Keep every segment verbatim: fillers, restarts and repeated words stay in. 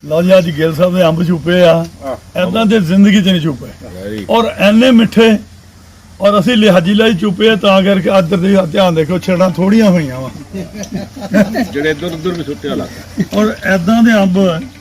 ਲਓ ਜੀ ਅੱਜ ਗਿੱਲ ਸਾਹਿਬ ਦੇ ਅੰਬ ਛੁਪੇ ਆ ਐਦਾਂ ਦੇ ਜ਼ਿੰਦਗੀ 'ਚ ਨਹੀਂ ਛੁਪੇ ਔਰ ਐਨੇ ਮਿੱਠੇ ਔਰ ਅਸੀਂ ਲਿਹਾਜੀ ਲਈ ਛੁਪੇ ਤਾਂ ਕਰਕੇ ਇੱਧਰ ਦੇ ਧਿਆਨ ਦੇਖੋ ਛੇੜਾਂ ਥੋੜੀਆਂ ਹੋਈਆਂ ਵਾ ਜਿਹੜੇ ਇੱਧਰ ਉੱਧਰ ਵੀ ਸੁੱਟਿਆ ਲੱਗਾ ਔਰ ਐਦਾਂ ਦੇ ਅੰਬ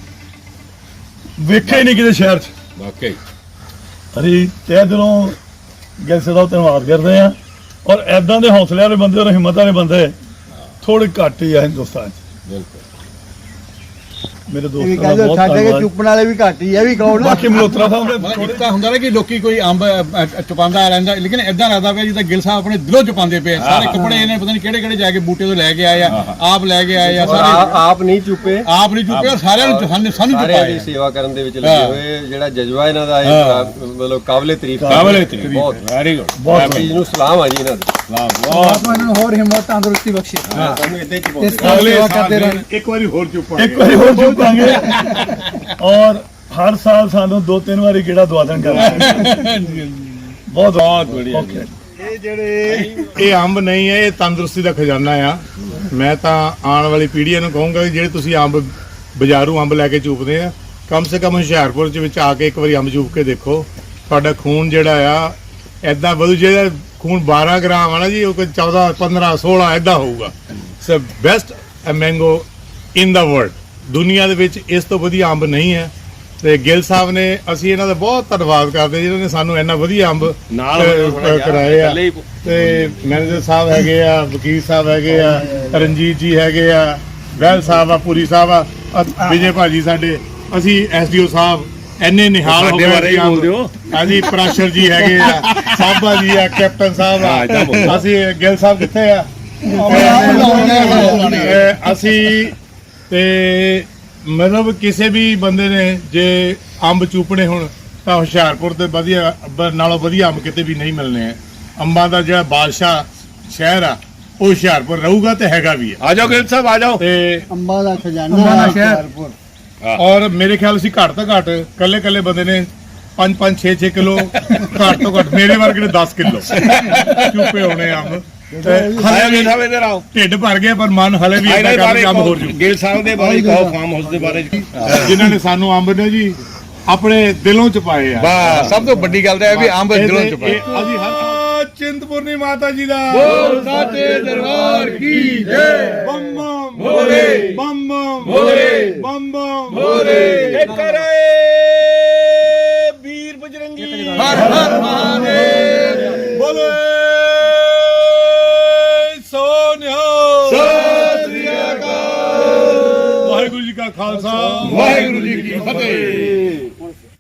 ਵੇਖੇ ਨਹੀਂ ਕਿਤੇ ਸ਼ਹਿਰ 'ਚ ਵਾਕਈ ਅਸੀਂ ਤਹਿ ਦਿਲੋਂ ਗਿੱਲ ਸਾਹਿਬ ਦਾ ਧੰਨਵਾਦ ਕਰਦੇ ਆ ਔਰ ਐਦਾਂ ਦੇ ਹੌਸਲੇ ਵਾਲੇ ਬੰਦੇ ਔਰ ਹਿੰਮਤ ਵਾਲੇ ਬੰਦੇ ਥੋੜੇ ਘੱਟ ਹੀ ਆ ਹਿੰਦੁਸਤਾਨ 'ਚ ਬਿਲਕੁਲ ਮੇਰੇ ਇਹ ਵੀ ਦੋਸਤਾਂ ਦਾ ਕਹਿੰਦੇ ਬਹੁਤ ਸਾਡੇ ਕੇ ਧੰਨਵਾਦ ਚੁੱਪਣ ਵਾਲੇ ਵੀ ਘੱਟ ਹੀ ਆ ਵੀ ਕੌਣ ਬਾਕੀ ਮਲਹੋਤਰਾ ਸਾਹਿਬ ਦੇ ਮਤਲਬ ਇੱਕ ਤਾਂ ਹੁੰਦਾ ਨਾ ਕਿ ਲੋਕੀ ਕੋਈ ਅੰਬ ਚੁਪਾਉਂਦਾ ਰਹਿੰਦਾ ਲੇਕਿਨ ਇਦਾਂ ਲੱਗਦਾ ਪਿਆ ਜਿੱਦਾਂ ਗਿੱਲ ਸਾਹਿਬ ਆਪਣੇ ਦਿਲੋਂ ਚੁਪਾਉਂਦੇ ਪਏ ਸਾਰੇ ਕੱਪੜੇ ਇਹਨੇ ਪਤਾ ਨਹੀਂ ਕਿਹੜੇ ਕਿਹੜੇ ਜਾ ਕੇ ਬੂਟੇ ਤੋਂ ਲੈ ਕੇ ਆਏ ਆ ਆਪ ਲੈ ਕੇ ਆਏ ਆ ਸਾਰੇ ਆਪ ਨਹੀਂ ਚੁੱਪੇ ਆਪ ਨਹੀਂ ਚੁੱਪੇ ਔਰ ਸਾਰਿਆਂ ਨੂੰ ਸਾਨੂੰ ਸਾਨੂੰ ਸਾਰਿਆਂ ਦੀ ਚੁਪਾਏ ਸੇਵਾ ਕਰਨ ਦੇ ਵਿੱਚ ਲੱਗੇ ਹੋਏ ਜਿਹੜਾ ਜਜ਼ਬਾ ਇਹਨਾਂ ਦਾ ਇਹ ਮਤਲਬ ਕਾਬਲੇ ਤਾਰੀਫ ਕਾਬਲੇ ਤਾਰੀਫ ਬਹੁਤ ਵੈਰੀ ਗੁੱਡ ਬਹੁਤ ਚੀਜ਼ ਨੂੰ ਸਲਾਮ ਆ ਜੀ ਇਹਨਾਂ ਦਾ ਵਾਹ ਬਹੁਤ ਇਹਨਾਂ ਨੂੰ ਹੋਰ ਹਿੰਮਤ ਤੰਦਰੁਸਤੀ ਬਖਸ਼ੇ ਸਾਨੂੰ ਇਦਾਂ ਹੀ ਇਸ ਤਰ੍ਹਾਂ ਸੇਵਾ ਕਰਦੇ ਰਹਿਣ ਇੱਕ ਵਾਰੀ ਹੋਰ ਚੁੱਪਾ ਇੱਕ ਵਾਰੀ ਹੋਰ ਚੁੱਕਾਂਗੇ ਔਰ ਹਰ ਸਾਲ ਸਾਨੂੰ ਦੋ ਤਿੰਨ ਵਾਰੀ ਕਿਹੜਾ ਦਵਾ ਦੇਣ ਕਰਾਂਗੇ ਬਹੁਤ ਬਹੁਤ ਵਧੀਆ ਜੀ। ਇਹ ਜਿਹੜੇ ਇਹ ਅੰਬ ਨਹੀਂ ਹੈ ਇਹ ਤੰਦਰੁਸਤੀ ਦਾ ਖਜ਼ਾਨਾ ਆ ਮੈਂ ਤਾਂ ਆਉਣ ਵਾਲੀ ਪੀੜ੍ਹੀਆਂ ਨੂੰ ਕਹੂੰਗਾ ਕਿ ਜਿਹੜੇ ਤੁਸੀਂ ਅੰਬ ਬਾਜ਼ਾਰੂ ਅੰਬ ਲੈ ਕੇ ਚੂਪਦੇ ਆ ਕਮ ਸੇ ਕਮ ਹੁਸ਼ਿਆਰਪੁਰ ਚ ਵਿੱਚ ਆ ਕੇ ਇੱਕ ਵਾਰੀ ਅੰਬ ਚੂਪ ਕੇ ਦੇਖੋ ਤੁਹਾਡਾ ਖੂਨ ਜਿਹੜਾ ਆ ਐਦਾਂ ਵਧੂ ਜਿਹੜਾ ਖੂਨ ਬਾਰਾਂ ਗ੍ਰਾਮ ਆ ਨਾ ਜੀ ਉਹ ਕੋਈ ਚੌਦਾਂ ਪੰਦਰਾਂ ਸੋਲਾਂ ਐਦਾਂ ਹੋਊਗਾ so best mango in the world ਦੁਨੀਆ ਦੇ ਵਿੱਚ ਇਸ ਤੋਂ ਵਧੀਆ ਅੰਬ ਨਹੀਂ ਹੈ ਤੇ ਗਿੱਲ ਸਾਹਿਬ ਨੇ ਅਸੀਂ ਇਹਨਾਂ ਦਾ ਬਹੁਤ ਧੰਨਵਾਦ ਕਰਦੇ ਜਿਨ੍ਹਾਂ ਨੇ ਸਾਨੂੰ ਇੰਨਾ ਵਧੀਆ ਅੰਬ ਨਾਲ ਅ, ਕਰਾਏ ਆ ਤੇ ਮੈਨੇਜਰ ਸਾਹਿਬ ਹੈਗੇ ਆ ਵਕੀਲ ਸਾਹਿਬ ਹੈਗੇ ਆ ਰਣਜੀਤ ਜੀ ਹੈਗੇ ਆ ਵੈਲ ਸਾਹਿਬ ਆ ਪੂਰੀ ਸਾਹਿਬ ਆ ਅ- ਵਿਜੇ ਭਾਜੀ ਸਾਡੇ ਅਸੀਂ ਐਸਡੀਓ ਸਾਹਿਬ ਐਨੇ ਨਿਹਾਲ ਹੋ ਸਾਡੇ ਗਏ ਬਾਰੇ ਹੀ ਬੋਲਦੇ ਹੋ। ਹਾਂਜੀ ਪ੍ਰਾਸ਼ਰ ਜੀ ਹੈਗੇ ਆ ਸਾਬਾ ਜੀ ਆ ਕੈਪਟਨ ਸਾਹਿਬ ਹਾਂ, ਏਦਾਂ ਆ ਬੋਲੋ। ਅਸੀਂ ਗਿੱਲ ਸਾਹਿਬ ਕਿੱਥੇ ਆ ਅਹ ਅਸੀਂ ਤੇ ਮਤਲਬ ਕਿਸੇ ਵੀ ਬੰਦੇ ਨੇ ਜੇ ਅੰਬ ਚੂਪਣੇ ਹੁਣ ਤਾਂ ਹੁਸ਼ਿਆਰਪੁਰ ਦੇ ਵਧੀਆ ਬ- ਨਾਲੋਂ ਵਧੀਆ ਅੰਬ ਕਿਤੇ ਵੀ ਨਹੀਂ ਮਿਲਣੇ ਆ ਅੰਬਾਂ ਦਾ ਜਿਹੜਾ ਬਾਦਸ਼ਾਹ ਸ਼ਹਿਰ ਆ ਉਹ ਹੁਸ਼ਿਆਰਪੁਰ ਰਹੂਗਾ ਤੇ ਹੈਗਾ ਵੀ ਆ ਆ ਜਾਓ ਗਿੱਲ ਸਾਹਿਬ ਆ ਜਾਓ ਤੇ ਅੰਬਾਂ ਦਾ ਖਜ਼ਾਨਾ ਅੰਬਾਂ ਦਾ ਹੈ ਸ਼ਹਿਰ। ਹੁਸ਼ਿਆਰਪੁਰ। ਔਰ ਮੇਰੇ ਖਿਆਲ ਅਸੀਂ ਘੱਟ ਤੋਂ ਘੱਟ ਕੱਲੇ ਕੱਲੇ ਬੰਦੇ ਨੇ ਪੰਜ ਪੰਜ ਛੇ ਛੇ ਕਿਲੋ ਘੱਟ ਤੋਂ ਘੱਟ ਮੇਰੇ ਵਰਗੇ ਨੇ ਦਸ ਕਿਲੋ ਚੂਪੇ ਹੋਣੇ ਅੰਬ ਤੇ ਆਇਓ ਹਲੇ ਗਿੱਲ ਵੀ ਸਾਹਿਬ ਇੱਧਰ ਆਓ ਢਿੱਡ ਭਰ ਗਿਆ ਪਰ ਮਨ ਹਲੇ ਵੀ ਇਹਨਾਂ ਇੰਨਾ ਦੇ ਕੰਮ ਬਾਰੇ ਕੰਮ ਹੋਰ ਜੂ ਗਿੱਲ ਸਾਹਿਬ ਦੇ ਬਾਰੇ ਕਹੋ ਫਾਰਮ ਹਾਊਸ ਦੇ ਬਾਰੇ ਜਿਨ੍ਹਾਂ ਨੇ ਸਾਨੂੰ ਅੰਬ ਨੇ ਜੀ ਆਪਣੇ ਦਿਲੋਂ ਚ ਪਾਏ ਆ ਬਸ ਸਭ ਤੋਂ ਵੱਡੀ ਗੱਲ ਤਾਂ ਇਹ ਵੀ ਅੰਬ ਦਿਲੋਂ ਇਹ- ਚੁਪਾਏ ਇਹ ਅਸੀਂ ਹਰ ਚਿੰਤਪੁਰਨੀ ਮਾਤਾ ਜੀ ਦਾ ਸਾਚੇ ਦਰਬਾਰ ਕੀ ਜੈ ਬੰਮ ਬੰਮ ਭੋਲੇ ਬੰਮ ਬੰਮ ਭੋਲੇ ਬੰਮ ਬੰਮ ਭੋਲੇ ਕਰੇ ਵੀਰ ਬਜਰੰਗੀ ਹਰ ਹਰ ਮਹਾਦੇਵ ਬੋਲੇ ਸੋਨਿਆ ਸਤਿ ਸ੍ਰੀ ਅਕਾਲ ਵਾਹਿਗੁਰੂ ਜੀ ਕਾ ਖਾਲਸਾ ਵਾਹਿਗੁਰੂ ਜੀ ਕੀ ਫਤਿਹ